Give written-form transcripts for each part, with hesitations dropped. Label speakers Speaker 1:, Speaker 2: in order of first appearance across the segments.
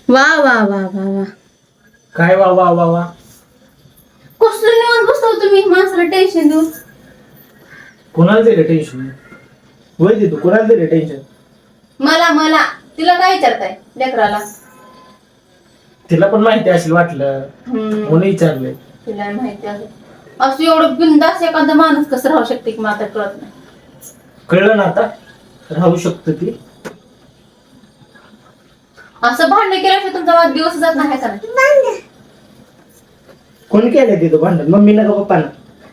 Speaker 1: वा वा वा वा वा.
Speaker 2: काय वा वा वा वा.
Speaker 1: कसलं निवांत बसतो तुम्ही माणसाला टेन्शन देऊन.
Speaker 2: कोणाला दिलं टेन्शन? वय देतो कोणाला दिलं टेन्शन?
Speaker 1: मला मला तिला काय विचारताय लेकराला?
Speaker 2: तिला पण माहिती असेल वाटलं म्हणून विचारलंय.
Speaker 1: तिला माहिती आहे असं एवढं बिंदास एखादा माणूस कसं राहू शकते की मला कळत नाही.
Speaker 2: कळलं ना आता? राहू शकतो ती.
Speaker 1: असं भांडण केल्याशिवाय तुमचा वाद दिवस जात नाही का नाही?
Speaker 2: कोण केलं तिथं भांडण? मम्मीनं का पप्पानं?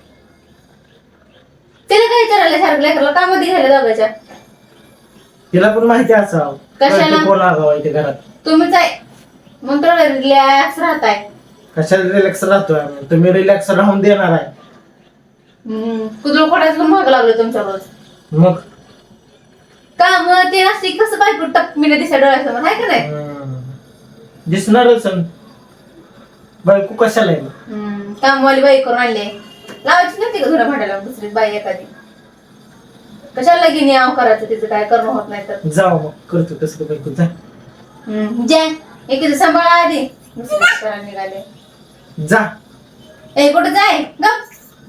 Speaker 1: तिला काय विचारायला सारखं लेकराला कामात घ्यायला दोघांच्या.
Speaker 2: तिला पण माहिती असावं
Speaker 1: कशाला?
Speaker 2: कळतं कोण आगाव आहे ते घरात.
Speaker 1: तुम्हीच आहे मग थोडं रिलॅक्स राहताय.
Speaker 2: कशाला रिलॅक्स राहतोय आम्ही? तुम्ही रिलॅक्स राहून देणार आहे.
Speaker 1: कुदळ खोडायचं पण महाग लागलं तुमच्या रोज.
Speaker 2: मग
Speaker 1: का मग ते असे कसं बायको टपमीने दिसा डोळ्यासमोर आहे का नाही?
Speaker 2: दिसणारच अन. बायको कशाला आहे मग?
Speaker 1: कामवाली बाई करून आणले लावायची नव्हती का घरा भांडायला दुसरी बाई एखादी? कशाला लगीन याव करायचं तिचं काय करणं होत नाही तर.
Speaker 2: जाऊ मग करतो तसं बायको जा.
Speaker 1: जे एकीचं सांभाळा आधी दुसरीचं करायला निघाले.
Speaker 2: जा.
Speaker 1: ए कुठं जाय गप.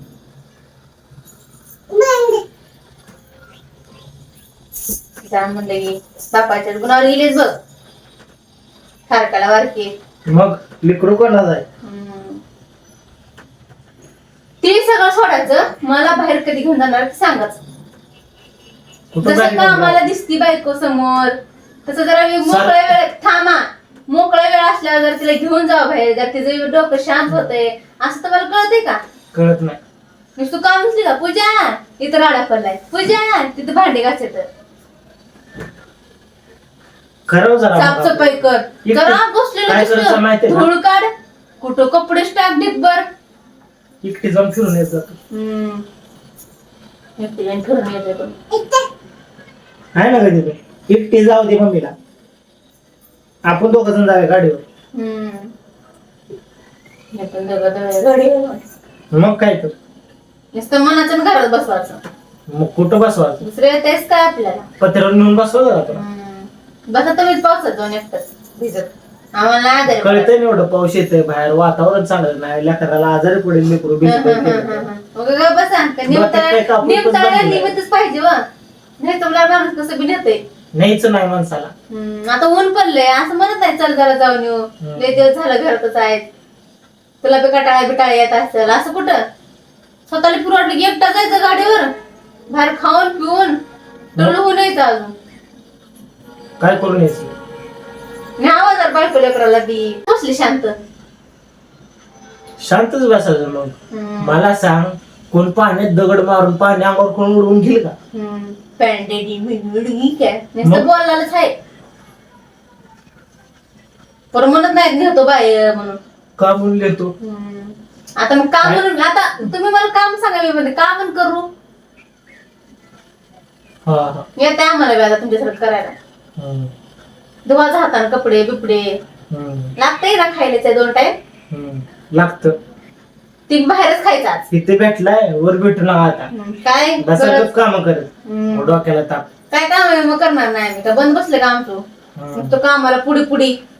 Speaker 1: जा म्हणलं की बापाच्या गुणावर गेलेच बघ. सारखाला वारकी.
Speaker 2: मग लिकरू कोणाला आहे?
Speaker 1: ते सगळं सोडायचं मला बाहेर कधी घेऊन जाणार ते सांगायचं.
Speaker 2: कुठं
Speaker 1: जसं
Speaker 2: बाहेर
Speaker 1: का
Speaker 2: घेऊन
Speaker 1: आम्हाला
Speaker 2: जायचं?
Speaker 1: दिसती बायको समोर तसं जरा मोकळ्या वेळेत थांबा. मोकळ्या वेळ असल्यावर जर तिला घेऊन जावं बाहेर जर तिचं डोकं शांत होतंय असं तुम्हाला कळतंय का?
Speaker 2: कळत नाही.
Speaker 1: नुसतं काम नसली का पूजा इथं राडा पडलाय पूजा तिथं भांडे घासायचं
Speaker 2: खरं जरा मग
Speaker 1: साफसफाई कर
Speaker 2: एकटं
Speaker 1: जरा
Speaker 2: काय करायचं
Speaker 1: बसलेलं
Speaker 2: माहितीये ना?
Speaker 1: धूळ काढ कुठं कपडे टाक ढिगभर.
Speaker 2: एकटी जाऊन फिरून येत जातो.
Speaker 1: एकटी जाऊन फिरून येते पण.
Speaker 2: आहे ना कधी ते एकटी जाऊ दे मम्मीला. आपण दोघं जण जाऊया गाडीवर.
Speaker 1: हे पण गाडीवर
Speaker 2: मग काय तर.
Speaker 1: नुसतं मनाचं आणि घरात बसवायचं.
Speaker 2: मग कुठं बसवायचं?
Speaker 1: दुसरे तेच काय आपल्याला.
Speaker 2: पत्र्यावर नेऊन बसवायचं आपण.
Speaker 1: बसा तुम्हीच पावसात जाऊन एकटंच भिजत. आम्हाला आजारी
Speaker 2: कळतंय ना एवढं पाऊस येतंय बाहेर वातावरण चांगलं नाही लेकराला आजारी पडेल लेकरू
Speaker 1: मग काय बसा निमताळ्याला निमित्तच पाहिजे व नाही तुम्हाला माणूस कसं बी नेतंय.
Speaker 2: न्यायचं नाही माणसाला.
Speaker 1: आता ऊन पडलंय असं म्हणत नाही चल जरा जाऊन येऊ लय दिवस झालं घरातच आहेत तुला बी कटाळा बिटाळा येत असेल असं कुठं स्वतःला पुरवठलं की एकटा जायचं गाडीवर बाहेर खाऊन पिऊन डोळ होऊन यायचं अजून
Speaker 2: काय करून यायचं?
Speaker 1: न्यावा जर बायको लेकराला बी बसली शांत
Speaker 2: शांतच बसायचं. मग मला सांग कोण पाण्यात दगड मारून पाणी अंगावर कोण उडवून घेईल का?
Speaker 1: पॅन्डेडी मिळगी काय नुसतं बोलायलाच आहे पर म्हणत नाहीत नेतो बाय म्हणून
Speaker 2: का म्हणून येतो?
Speaker 1: आता मग काम म्हणून आता तुम्ही मला काम सांगा मी म्हणते का म्हणून करू येते आम्हाला बी आता तुमच्यासारखं करायला. धुवाचा हाताने कपडे बिपडे लागतंय ना खायला त्या 2 टाइम
Speaker 2: लागत.
Speaker 1: ती बाहेरच खायचं आज.
Speaker 2: तिथे भेटलाय वर भेटू नका आता.
Speaker 1: काय
Speaker 2: बसायचं काम करत डोक्याला ताप.
Speaker 1: काय काम आहे मग करणार नाही आम्ही का बंद बसले का आमचं मग तो कामाला पुढे पुढे